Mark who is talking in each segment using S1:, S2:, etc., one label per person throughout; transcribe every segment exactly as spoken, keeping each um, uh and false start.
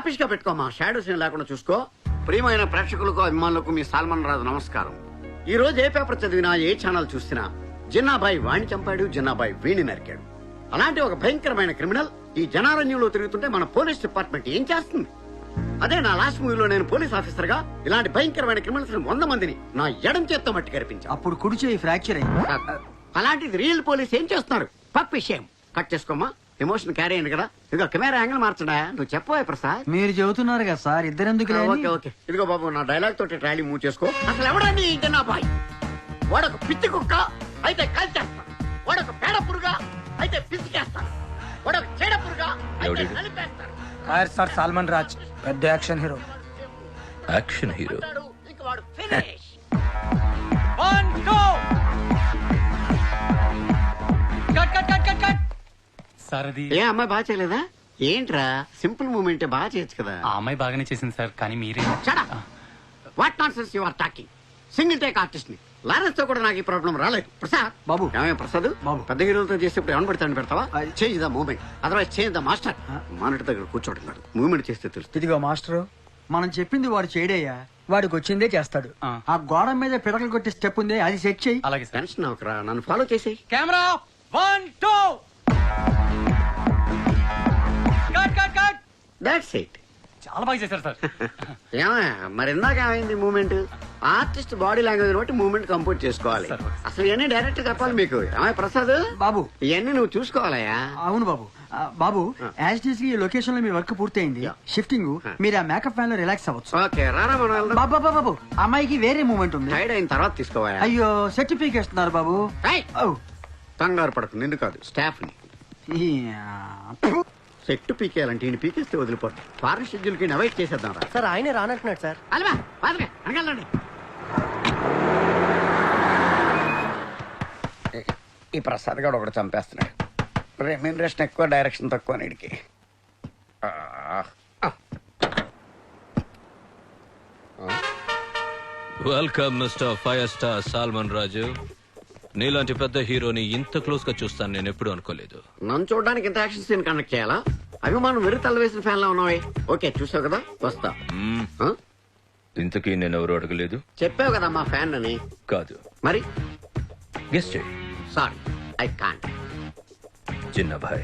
S1: స్టాపిష్ గా పెట్టుకోమా, shadow scene లేకుండా చూసుకో. ప్రియమైన ప్రేక్షకులకు అభిమానులకు మీ సాల్మన్ రాజు నమస్కారం. ఈ రోజు ఏ పేపర్ చదివినా ఏ ఛానల్ చూసినా జిన్నాబాయి వాణ్ణి చంపాడు, జిన్నాబాయి వీణి నరికాడు. అలాంటి ఒక భయంకరమైన క్రిమినల్ ఈ జనారణ్యంలో తిరుగుతుంటే మన పోలీస్ డిపార్ట్మెంట్ ఏం చేస్తుంది? అదే నా లాస్ట్ మూవీలో నేను పోలీస్ ఆఫీసర్ గా ఇలాంటి భయంకరమైన క్రిమినల్స్ వంద మందిని నా ఎడం చేత్తో మట్టి కనిపించా.
S2: అప్పుడు కుడి చేయి ఫ్రాక్చర్ అయింది.
S1: అలాంటిది రియల్ పోలీస్ ఏం చేస్తున్నారు? పక్ విషయం కట్ చేసుకోమా, ఎమోషన్ క్యారీ అయింది కదా. ఇదిగో కెమెరా యాంగిల్ మార్చడా, నువ్వు చెప్పవా ప్రసాద్?
S2: మీరు చెబుతున్నారు కదా సార్, ఇద్దరెందుకు?
S1: ఓకే ఓకే ఇదిగో బాబు, నా డైలాగ్ తోటి ట్రాలీ మూవ్ చేసుకో. అసలు ఎవడండి నా బాయ్? వాడొక పిచ్చి కుక్క అయితే కాల్చేస్తాను, వాడొక పేడ పురుగా అయితే పిసికేస్తాను, వాడొక చెడ పురుగా అయితే నలిపేస్తాను.
S3: సార్ సాల్మన్ రాజ్ పెద్ద యాక్షన్ హీరో.
S4: యాక్షన్ హీరో
S1: ఇంక వాడు ఫినిష్.
S5: సార్ అది
S1: ఏ అమ్మాయి బాగా చేయలేదా? ఏంట్రా సింపుల్ మూమెంట్ బాగా చేయొచ్చు కదా.
S5: ఆ అమ్మాయి బాగానే చేసింది సార్, కానీ మీరే
S1: what nonsense you are talking. Single take artist ని లారెన్స్ తో కూడా నాకు ఈ ప్రాబ్లం రాలేదు. ప్రసాద్
S2: బాబు.
S1: ఏమయ్య ప్రసాద్
S2: బాబు.
S1: పెద్ద హీరోలతో చేసేప్పుడు ఏమని పెడతాను పెడతావా?
S2: అది-
S1: change the movement, otherwise change the master. Monitor దగ్గర కూర్చోవడం కాదు, మూమెంట్ చేస్తే తెలుస్తుంది.
S3: ఇదిగో మాస్టరు,
S2: మనం చెప్పింది వాడు చేయడయ్యా.
S3: వాడికి వచ్చిందే చేస్తాడు.
S5: ఆ.
S2: ఆ గోడ మీద పిడకలు కొట్టే స్టెప్ ఉంది, అది సెట్ చెయ్యి.
S5: అలాగే సార్.
S1: టెన్షన్ అవకరా, నన్ను ఫాలో చేసేయి.
S5: Camera one two cut cut cut.
S1: That's it.
S5: చాలా బాగా చేశారు సార్.
S1: ఏమయ్య మరి ఇందాక ఏమైంది మూమెంట్? ఆర్టిస్ట్ బాడీ లాంగ్వేజ్ బట్టి మూమెంట్ కంపోజ్ చేసుకోవాలి.
S5: సరే.
S1: అసలు ఇవన్నీ డైరెక్ట్ చెప్పాలి మీకు. ఏమయ్య ప్రసాద్
S2: బాబు.
S1: ఇవన్నీ నువ్వు చూసుకోవాలయ్యా.
S2: అవును బాబు. ఆ, బాబు యాజ్ డీస్ ఈ లొకేషన్ లో మీ వర్క్ పూర్తయింది.
S1: యా.
S2: షిఫ్టింగ్ మీరు ఆ మేకప్ ఫ్యాన్ లో రిలాక్స్ అవ్వచ్చు.
S1: ఓకే రారా మనం వెళ్దాం.
S2: బాబు బాబు బాబు అమ్మాయికి వేరే మూమెంట్ ఉంది.
S1: టైడ్ అయిన తర్వాత తీసుకోవాలా?
S2: అయ్యో సర్టిఫికేట్ ఇస్తున్నారు బాబు.
S1: ఏయ్!
S2: ఓ.
S1: కంగారు పడకు, నిన్ను కాదు స్టాఫ్ ని.
S2: యా.
S1: సెట్ పీకేయాలంటే ఈయన పీకేస్తే వదిలిపోతాం. ఫారెన్ షెడ్యూల్ కి అవాయిడ్ చేసేద్దాం రా.
S3: సార్ ఆయనే రానంటున్నాడు సార్.
S1: అలవా బాధగా అనగలండి. ఈ ప్రసాద్ గారు ఒకటి చంపేస్తున్నాడు. రెమ్యూనరేషన్ ఎక్కువ, డైరెక్షన్ తక్కువ నీడికి.
S4: Welcome mister five star Salman Raju. నీలాంటి పెద్ద హీరోని ఇంత క్లోజ్ గా చూస్తాను నేను ఎప్పుడు అనుకోలేదు.
S1: నన్ను చూడడానికి ఇంత యాక్షన్ సీన్ కండక్ట్ చేయాలా? అభిమానం వెరు తల వేసిన ఫ్యాన్ లా ఉన్నావే. ఓకే చూసావు కదా, వస్తా.
S4: మ్మ్.
S1: ఆ?
S4: ఇంతకీ నేను ఎవరు అడగలేదు.
S1: చెప్పావు కదా మా ఫ్యాన్ అని.
S4: కాదు,
S1: మరి
S4: గెస్ట్ చేయి.
S1: Sorry I can't.
S4: Chinnabhai.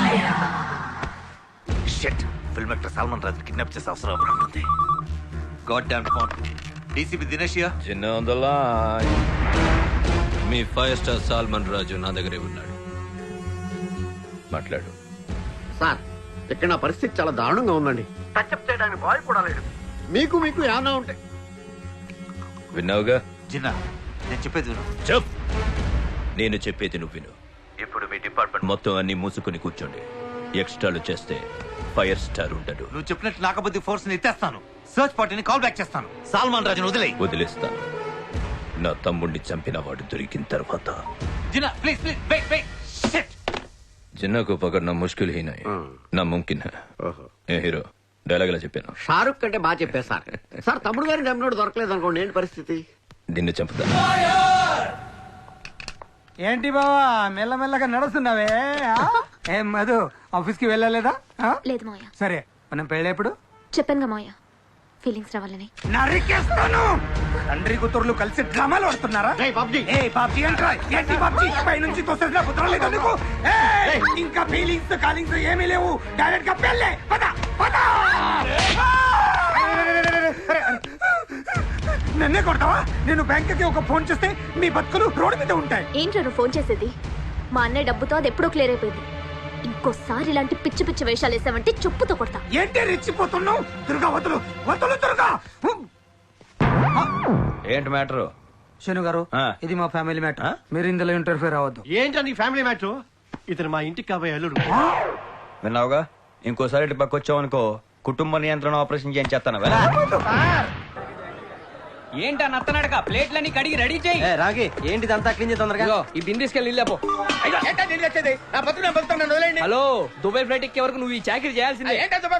S6: Shit, film actor Salman Raj kidnap చేసే అవసరం ఉంటుంది. God damn phone. డీసీపీ దినేషియా.
S4: Chinna on the line. మీ ఫైవ్ స్టార్ సాల్మన్ రాజు నా దగ్గరే ఉన్నాడు, మాట్లాడు.
S1: సార్ ఇక్కడ నా పరిస్థితి చాలా దారుణంగా ఉందండి. టచ్అప్ చేయడానికి బాయ్ కూడా లేడు. మీకు మీకు ఏమన్నా ఉంటే
S4: విన్నావుగా.
S6: జిన్నా, నేను చెప్పేది విను.
S4: చెప్. నేను చెప్పేది నువ్వు విను.
S6: ఇప్పుడు మీ డిపార్ట్మెంట్
S4: మొత్తం అన్ని మూసుకుని కూర్చోండి. ఎక్స్ట్రాలు చేస్తే ఫైర్ స్టార్ ఉంటాడు.
S6: నువ్వు చెప్పినట్టు నాకబద్ది ఫోర్స్ ని ఎత్తేస్తాను. సర్చ్ పార్టీని కాల్ బ్యాక్ చేస్తాను. సల్మాన్ రాజును వదిలేయ్.
S4: వదిలేస్తాను. నా తమ్ముడిని చంపిన వాడు దొరికిన తర్వాత.
S6: Jinnah please please wait wait. Shit.
S4: Jinnah को पकड़ना मुश्किल ही नहीं, ना मुमकिन है. ఏ హీరో డైలాగ్ ఎలా చెప్పాను?
S1: షారుఖ్ కంటే బాగా చెప్పారు సార్. సార్ తమ్ముడు గారిని చంపినోడు దొరకలేదు అనుకోండి, ఏంటి పరిస్థితి?
S4: నిన్ను చంపుతా.
S3: ఏంటి బావా మెల్లమెల్లగా నడుస్తున్నావే? ఆ? ఏం మధు ఆఫీస్ కి వెళ్ళలేదా? ఆ?
S7: లేదు మావయ్య.
S3: సరే మనం పెళ్ళేప్పుడు
S7: చెప్పాను మావయ్య, ఫీలింగ్స్ రావాలని.
S3: నరికేస్తాను. తండ్రి కూతుర్లు కలిసి డ్రామాలు ఆడుతున్నారా?
S1: ఏయ్ బాబ్జీ.
S3: ఏ బాబ్జీ అంటారా? ఏంటి బాబ్జీ పై నుంచి తోసేసిన కుదరలేదు నీకు? ఏయ్, ఇంకా ఫీలింగ్స్ కాలింగ్స్ ఏమీ లేవు. డైరెక్ట్ గా పెళ్ళే. పద పద. నన్నే కొడతావా? నేను బ్యాంక్ కి ఒక ఫోన్ చేస్తే మీ బతుకులు రోడ్డు మీద ఉంటాయి.
S7: ఏంట్రా నువ్వు ఫోన్ చేసేది? మా అన్నయ్య డబ్బుతో అది ఎప్పుడో క్లియర్ అయిపోయింది. ఇంకోసారి ఇలాంటి పిచ్చి పిచ్చి వేషాలు వేసావంటే చెప్పుతో కొడతా.
S3: ఏంటి రెచ్చిపోతున్నావు? దుర్గా వదులు వదులు దుర్గా.
S4: ఏంటి మ్యాటర్?
S3: శను గారు, ఇది మా ఫ్యామిలీ మ్యాటర్. మీరు ఇందులో ఇంటర్ఫియర్ అవ్వద్దు.
S8: ఏంటండి ఫ్యామిలీ మ్యాటర్? ఇతను మా ఇంటికి కాబోయే అల్లుడు.
S9: విన్నావుగా, ఇంకోసారి ఇటు పక్క వచ్చావనుకో కుటుంబ నియంత్రణ ఆపరేషన్ చేయించేస్తాను.
S5: ఏంటా నత్తనడక? ప్లేట్లన్నీ కడిగి రెడీ చేయి.
S2: రాగి ఏంటిదంతా క్లీన్ చేసి తొందరగా.
S5: ఈ బిందె తీసుకెళ్ళి వెళ్ళపో. హలో, దుబాయ్ ఫ్లైట్ ఎక్కే వరకు నువ్వు ఈ చాకరీ చేయాల్సిందే.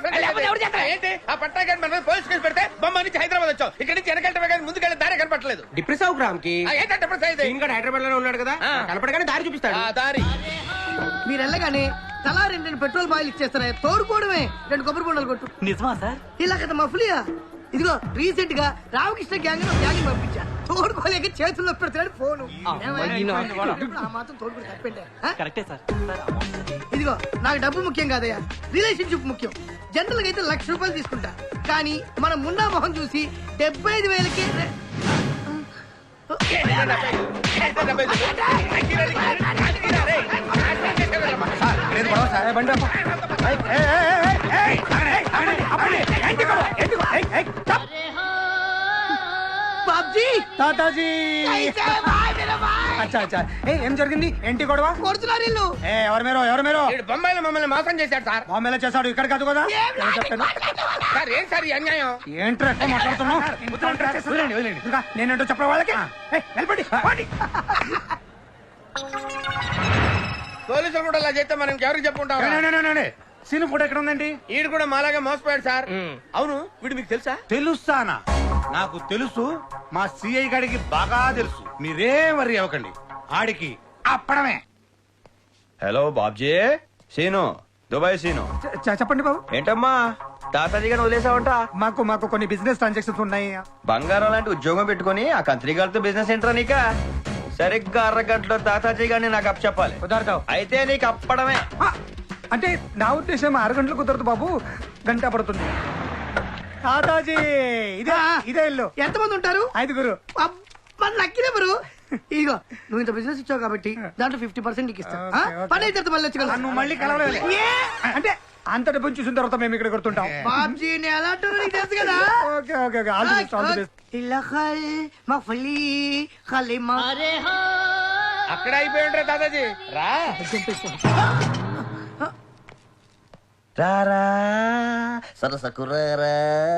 S8: హైదరాబాద్ వచ్చావు, ఇక్కడ నుంచి వెనకెళ్ళటమే ముందుకెళ్ళి దారి కనపట్లేదు.
S5: డిప్రెస్ అవు గ్రామ్ కి
S8: హైదరాబాద్ లోనే ఉన్నాడు కదా, కనపడగానే దారి చూపిస్తాడు. దారి
S3: మీరు వెళ్ళగానే
S10: తలా రెండు రెండు పెట్రోల్ బాయిల్ ఇచ్చేస్తారా తోడుకోవడమే రెండు కొబ్బరి బొండాలు కొట్టు
S2: నిజమా సార్
S10: ఇలా కదా మఫ్లియా ఇదిగో రీసెంట్ గా రామకృష్ణ గ్యాంగ్ లో గ్యాంగ్ పంపించా తోడుకోలేక చేతుల్లో పెడతాడు ఫోను ఆ మాత్రం తోడుకుని తప్పంటే
S2: కరెక్టే సార్
S10: ఇదిగో నాకు డబ్బు ముఖ్యం కాదయ్యా రిలేషన్షిప్ ముఖ్యం జనరల్ గా అయితే లక్ష రూపాయలు తీసుకుంటా కానీ మన మున్నా మొహం చూసి డెబ్బై ఐదు వేలకి బాబ్జీ
S3: తాతాజీ అచ్చా అచ్చా ఏ ఏం జరిగింది ఏంటి గొడవ
S10: కొడుతున్నారు ఇల్లు
S3: ఏ ఎవరు మీరు ఎవరు మీరు
S8: వీడు బొంబాయిలో మమ్మల్ని మోసం చేశాడు సార్
S3: బాంబేలో చేశాడు ఇక్కడ కాదు కదా నేను చెప్పాను.
S8: సార్ ఏం సార్ ఈ అన్యాయం
S3: ఏంట్రా ఎక్కువ మాట్లాడుతున్నావు వదిలేండి, వదిలేండి. ఇంకా నేనేంటో చెప్పరా వాళ్ళకి ఏయ్, నిలబడి, పోండి.
S8: పోలీసులు కూడా అలా చేస్తే మనం ఎవరికి చెప్పుకుంటాం
S3: నే, నే, నే, నే, నే. సీను ఫోటో ఎక్కడ ఉందండి
S8: వీడు కూడా మాలాగా మోసపోయాడు సార్ అవును వీడు మీకు తెలుసా
S3: తెలుస్తానా నాకు తెలుసు మా సిఐ గారికి బాగా తెలుసు మీరేం వరి అవ్వకండి ఆడికి అప్పడమే
S9: హలో బాబ్జీ సీను దుబాయ్ సీను
S3: చెప్పండి బాబు
S9: ఏంటమ్మా తాతాజీ గారిని వదిలేసావంట
S3: మాకు మాకు కొన్ని బిజినెస్ ట్రాన్సాక్షన్స్ ఉన్నాయి
S9: బంగారం లాంటి ఉద్యోగం పెట్టుకుని ఆ కంత్రి గారితో బిజినెస్ ఏంట్రా నీక సరిగ్గా అరగంటలో తాతాజీ గారిని నాకు అప్ చెప్పాలి
S3: కుదరతావు
S9: అయితే నీకు అప్పడమే
S3: అంటే నా ఉద్దేశం ఆరు గంటలు కుదరదు బాబు గంట పడుతుంది తాతాజీ ఇదే ఇదే ఇల్లు
S10: ఎంతమంది ఉంటారు
S3: ఐదుగురు
S10: మన లక్కీ నెంబరు ఇదిగో నువ్వు ఇంత బిజినెస్ ఇచ్చావు కాబట్టి దాంట్లో ఫిఫ్టీ పర్సెంట్ నీకు ఇస్తా ఆ? పని అయితే మళ్ళీ వచ్చి కలుస్తా.
S3: నువ్వు మళ్ళీ కలవలేదు
S10: ఏ?
S3: అంటే అంత డబ్బుని చూసిన తర్వాత మేము ఇక్కడ కొడుతుంటాం
S10: బాబ్జీ నేను ఎలా అంటారో నీకు తెలుసు కదా
S3: okay okay okay all the best all the best
S10: ఇల్లఖల్ మఫ్లీ ఖలీమా
S8: అక్కడ అయిపోయి ఉంటారు దాదాజీ రా
S9: రారా సరసకురారా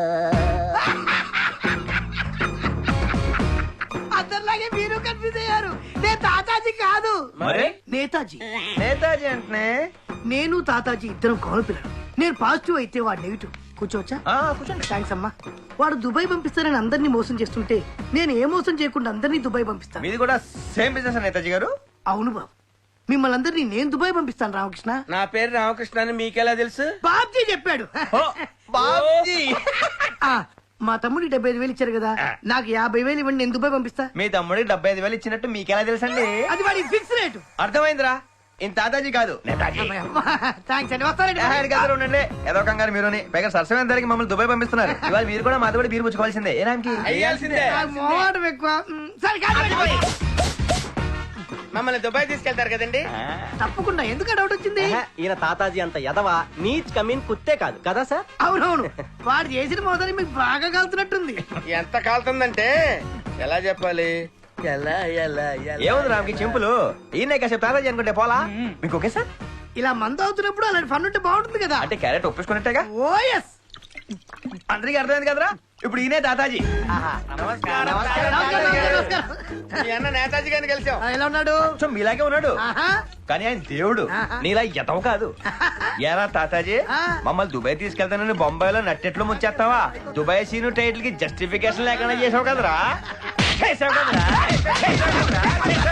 S10: అందరిలాగే మీరు కన్ఫ్యూజ్ అయ్యారు నేను తాతాజీ కాదు
S9: మరి
S10: నేతాజీ
S9: నేతాజీ అంటే
S10: నేను తాతాజీ ఇద్దరం కౌలు పిల్లలు నేను పాజిటివ్ అయితే వాడు నెగిటివ్ కూర్చోవచ్చా
S9: కూర్చోండి
S10: థ్యాంక్స్ అమ్మా వాడు దుబాయ్ పంపిస్తానని అందరినీ మోసం చేస్తుంటే నేను ఏ మోసం చేయకుండా అందరినీ దుబాయ్ పంపిస్తాను
S9: మీది కూడా సేమ్ బిజినెస్ నేతాజీ గారు
S10: అవును బాబు మిమ్మల్ని అందరినీ నేను దుబాయ్ పంపిస్తాను రామకృష్ణ
S8: నా పేరు రామకృష్ణ అని మీకెలా తెలుసు
S10: బాబ్జీ చెప్పాడు
S9: బాబ్జీ
S10: ఆ, మా తమ్ముడికి డెబ్బై ఐదు వేలు ఇచ్చారు కదా నాకు యాభై వేలు ఇవ్వండి నేను దుబాయ్ పంపిస్తా
S9: మీ తమ్ముడికి డెబ్బై ఐదు వేలు ఇచ్చినట్టు మీకెలా తెలుసండి
S10: అది వాడి ఫిక్స్ రేటు
S9: అర్థమైందిరా ఇంత తాతాజీ కాదు నేతాజీ
S10: థ్యాంక్స్ అండి వస్తానండి
S9: ఆహాడి గదిలో ఉండండి ఏదో కంగారు మీరుని పైగా సరసమైన ధరకి మమ్మల్ని దుబాయ్ పంపిస్తున్నారు ఇవాళ మీరు కూడా మాతో కూడా బీరు పుచ్చుకోవాల్సిందే ఏ రామ్కి
S8: అయ్యాల్సిందే
S10: నాకు మోహం ఎక్కువ మ్, సరే కాదు
S8: మమ్మల్ని దుబాయ్ తీసుకెళ్తారు కదండి
S10: తప్పకుండా ఎందుకు డౌట్ వచ్చింది
S2: ఈయన తాతాజీ అంత ఎదవా నీచ్ కమీన్ కుత్తే కాదు కదా సార్
S10: అవునవును వాడు చేసిన మోసాన్ని మీకు బాగా కలుతున్నట్టుంది
S8: ఎంత కాలుతుందంటే ఎలా చెప్పాలి ఎలా ఎలా ఎలా
S9: ఏముంది రామ్కి చింపులు ఈయన కాసేపు తాతాజీ అనుకుంటే పోలా మీకు ఓకే సార్
S10: ఇలా మందు అవుతున్నప్పుడు అలాంటి ఫన్ ఉంటే బాగుంటుంది కదా
S9: అంటే క్యారెట్ ఒప్పించుకున్నట్టేగా
S10: ఓ ఎస్
S9: అందరికీ అర్థమైంది కదరా ఇప్పుడు ఈయనే తాతాజీ
S8: నమస్కారం మీ అన్న నేతాజీ గారిని కలిసాం
S10: ఎలా ఉన్నాడు
S9: సో మీలాగే ఉన్నాడు
S10: ఆహా.
S9: కానీ ఆయన దేవుడు
S10: ఆహా.
S9: నీలా ఎతవ కాదు ఏరా తాతాజీ
S10: ఆ.
S9: మమ్మల్ని దుబాయ్ తీసుకెళ్తానని బొంబాయిలో నట్టెట్లు ముంచేస్తావా దుబాయ్ సీను టైటిల్ కి జస్టిఫికేషన్ లేకుండా చేసావు కదరా చేసావు కదరా చేసావు కదరా?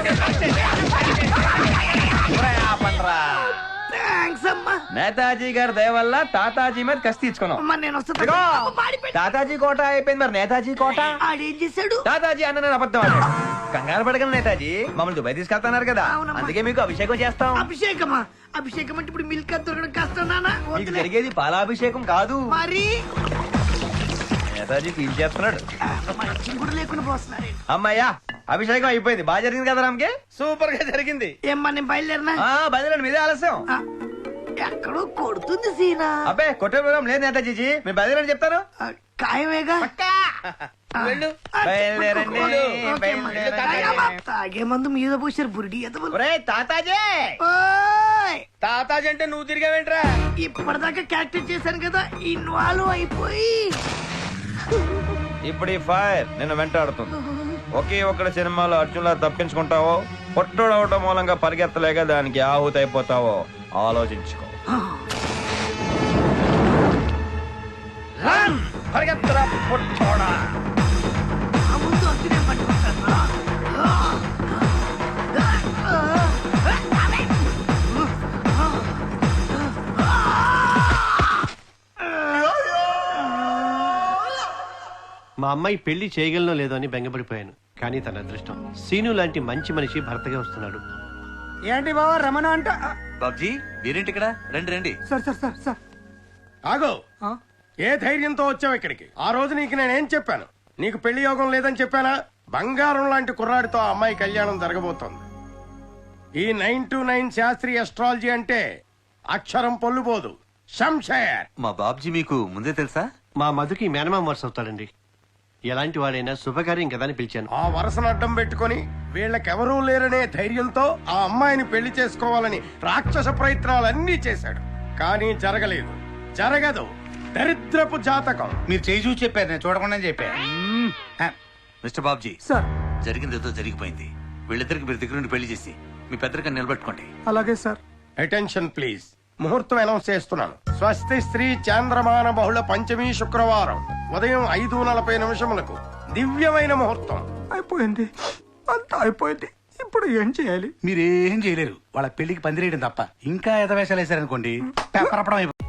S9: ఒరేయ్, ఆపండ్రా.
S10: థ్యాంక్స్ అమ్మా
S9: నేతాజీ గారి దయ వల్ల తాతాజీ మీద కసి తీర్చుకున్నాం
S10: అమ్మా నేను వస్తాను
S9: ఇదిగో,
S10: అమ్మ, మాడిపోయింది.
S9: తాతాజీ కోట అయిపోయింది మరి నేతాజీ కోట
S10: ఆడేం చేశాడు
S9: తాతాజీ అన్న నేను అబద్ధం ఆడాడు. కంగారు పడగలను నేతాజీ మమ్మల్ని దుబాయ్ తీసుకెళ్తున్నారు కదా
S10: అవునమ్మా.
S9: అందుకే మీకు అభిషేకం చేస్తాం
S10: అభిషేకమా అభిషేకం అంటే ఇప్పుడు మిల్క్ అది దొరకడం కష్టం నానా
S9: మీకు జరిగేది పాలాభిషేకం కాదు
S10: మరి
S9: నేతాజీ ఫీల్ చేస్తున్నాడు
S10: మంచి కూడా లేకుండా పోస్తున్నారే
S9: అమ్మయ్యా అభిషేకం అయిపోయింది బాగా జరిగింది కదా రామ్కి
S8: సూపర్ గా జరిగింది
S10: ఏమ్మా నేను బయలుదేరినా
S9: ఆ బయలుదేరండి మీదే ఆలస్యం
S10: ఆ, ఎక్కడో కొడుతుంది సీనా
S9: అబ్బే కొట్టే ప్రోగ్రాం లేదు నేతాజీ మీరు బయలుదేరండి చెప్తాను
S10: ఆ, ఖాయమేగా ఆ.
S8: వెళ్ళు
S9: బయలుదేరండి
S10: ఓకే అమ్మా.
S9: బయలుదేరండి
S10: అమ్మా, తాగే మందు మీద పోసారు బురిడి ఎదవలు.
S9: ఒరేయ్ తాతాజీ
S10: ఓయ్
S8: తాతాజీ అంటే నువ్వు తిరిగావేంట్రా
S10: ఇప్పటిదాకా క్యారెక్టర్ చేశాను కదా ఇన్వాల్వ్ అయిపోయి
S9: ఇప్పుడు ఈ ఫైర్ నిన్ను వెంటాడుతుంది ఒకే ఒక్కడి సినిమాలో అర్జున్లా తప్పించుకుంటావో పొట్టోడవటం మూలంగా పరిగెత్తలేక దానికి ఆహుతి అయిపోతావో ఆలోచించుకో రన్! పరిగెత్తరా పొట్టోడా
S10: ఆ ముందు అర్జునే పట్టుకుంటాను రా.
S11: అమ్మాయి పెళ్లి చేయగలనో లేదో అని బెంగపడిపోయాను. కానీ తన అదృష్టం సీను లాంటి మంచి మనిషి భర్తగా వస్తున్నాడు.
S3: ఏంటి బావా రమణ అంట
S6: బాబ్జీ మీరేంటి ఇక్కడ రండి రండి.
S3: సార్ సార్ సార్ సార్ ఆగో ఏ ధైర్యంతో వచ్చావు ఇక్కడికి? ఆ రోజు నీకు నేనేం చెప్పాను? నీకు పెళ్లి యోగం లేదని చెప్పానా? బంగారం లాంటి కుర్రాడితో ఆ అమ్మాయి కళ్యాణం జరగబోతోంది. ఈ నైన్ టు నైన్ శాస్త్రీయ అస్ట్రాలజీ అంటే అక్షరం పొల్లుపోదు. శంషేర్
S6: మా బాబ్జీ మీకు ముందే తెలుసా?
S11: మా మధుకి మేనమామ వరుస అవుతాడండి. ఎలాంటి వాడైనా శుభకార్యం కదా అని పిలిచాను.
S3: ఆ వరసను అడ్డం పెట్టుకుని వీళ్ళకెవరూ లేరనే ధైర్యంతో ఆ అమ్మాయిని పెళ్లి చేసుకోవాలని రాక్షస ప్రయత్నాలన్నీ చేశాడు. కానీ జరగలేదు, జరగదు. దరిద్రపు జాతకం.
S8: మీరు చేయి చూసి చెప్పారు, నేను చూడకుండా చెప్పా.
S6: మిస్టర్ బాబ్జీ
S3: సార్
S6: జరిగింది ఏదో జరిగిపోయింది. వీళ్ళిద్దరికి మీరు దగ్గర నుండి పెళ్లి చేసి మీ పెద్దరికని నిలబెట్టుకోండి.
S3: అలాగే సార్. Attention please. ముహూర్తం అనౌన్స్ చేస్తున్నాను. స్వస్తి స్త్రీ చాంద్రమాన బహుళ పంచమి శుక్రవారం ఉదయం ఐదు నలభై నిమిషములకు దివ్యమైన ముహూర్తం. అయిపోయింది, అంతా అయిపోయింది. ఇప్పుడు ఏం చేయాలి?
S8: మీరేం చేయలేరు. వాళ్ళ పెళ్లికి పందిరేయడం తప్ప ఇంకా ఎదవేశాలు వేశారనుకోండి పేపర్ అప్పడం అయిపోతుంది.